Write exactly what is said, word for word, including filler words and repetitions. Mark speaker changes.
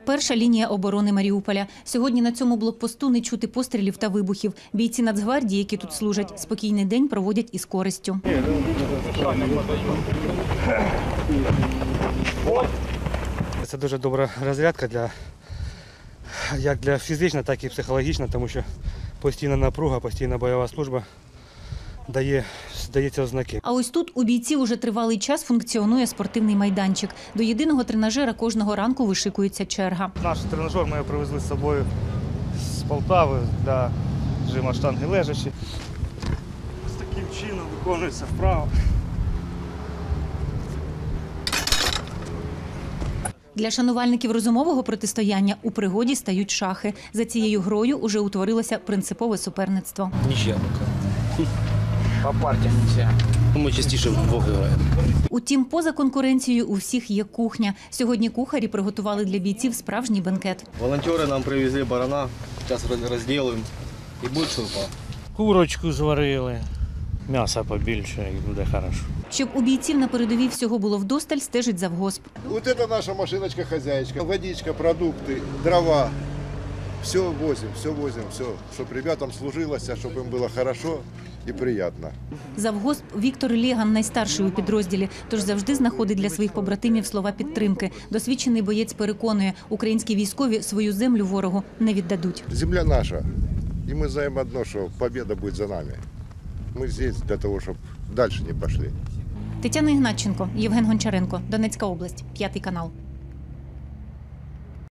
Speaker 1: Перша лінія оборони Маріуполя. Сьогодні на цьому блокпосту не чути пострілів та вибухів. Бійці Нацгвардії, які тут служать, спокійний день проводять із користю.
Speaker 2: Це дуже добра розрядка для, як для фізична, так і психологічна, тому що постійна напруга, постійна бойова служба дає, дає ці ознаки.
Speaker 1: А ось тут у бійців уже тривалий час функціонує спортивний майданчик. До єдиного тренажера кожного ранку вишикується черга.
Speaker 2: Наш тренажер ми привезли з собою з Полтави для жима штанги лежачі. З таким чином виконується вправо.
Speaker 1: Для шанувальників розумового протистояння у пригоді стають шахи. За цією грою уже утворилося принципове суперництво.
Speaker 3: Нічия поки. По партіям нельзя. Ми частіше вдвох граємо.
Speaker 1: Утім, поза конкуренцією у всіх є кухня. Сьогодні кухарі приготували для бійців справжній бенкет.
Speaker 4: Волонтери нам привезли барана, зараз розділимо і буде шурпа.
Speaker 5: Курочку зварили, м'яса побільше і буде хорошо.
Speaker 1: Щоб у бійців на передовій всього було вдосталь, стежить завгосп.
Speaker 6: Вот это наша машиночка-хозяечка. Водичка, продукты, дрова. Все возим, все возим, все. Чтобы ребятам служилось, чтобы им было хорошо и приятно.
Speaker 1: Завгосп Віктор Лєган найстарший у підрозділі, тож завжди знаходить для своїх побратимів слова підтримки. Досвідчений боєць переконує, українські військові свою землю ворогу не віддадуть.
Speaker 6: Земля наша. И мы знаем одно, что победа будет за нами. Мы здесь для того, чтобы дальше не пошли.
Speaker 1: Тетяна Ігнатченко, Євген Гончаренко, Донецька область, п'ятий канал.